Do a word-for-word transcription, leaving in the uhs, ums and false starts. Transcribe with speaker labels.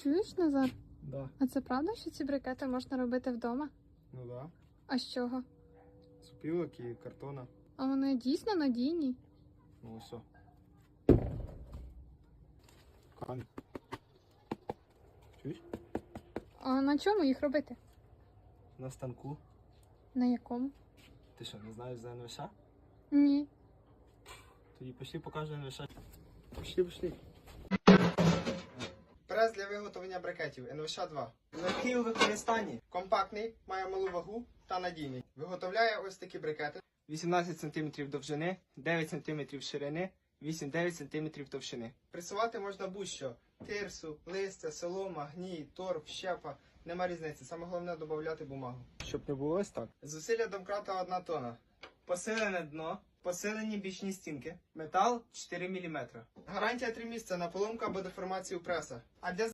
Speaker 1: Чуєш, Назар?
Speaker 2: Да.
Speaker 1: А це правда, що ці брикети можна робити вдома?
Speaker 2: Ну да.
Speaker 1: А з чого?
Speaker 2: З опілок і картона.
Speaker 1: А вони дійсно надійні?
Speaker 2: Ну все. Камінь. Чуєш?
Speaker 1: А на чому їх робити?
Speaker 2: На станку.
Speaker 1: На якому?
Speaker 2: Ти що, не знаєш за ен ве ша?
Speaker 1: Ні.
Speaker 2: Тоді пішли покажу ен ве ша. Пішли, пішли.
Speaker 3: Прес для виготовлення брикетів ен ве ша два.
Speaker 2: Легкий у використанні.
Speaker 3: Компактний, має малу вагу та надійний. Виготовляє ось такі брикети.
Speaker 2: вісімнадцять сантиметрів довжини, дев'ять сантиметрів ширини, вісім-дев'ять сантиметрів товщини.
Speaker 3: Пресувати можна будь-що. Тирсу, листя, солома, гній, торф, щепа. Нема різниці. Саме головне додати бумагу.
Speaker 2: Щоб не було ось так.
Speaker 3: Зусилля домкрата одна тонна.
Speaker 2: Посилене дно, посилені бічні стінки, метал чотири міліметри.
Speaker 3: Гарантія три місяці на поломку або деформацію преса. А для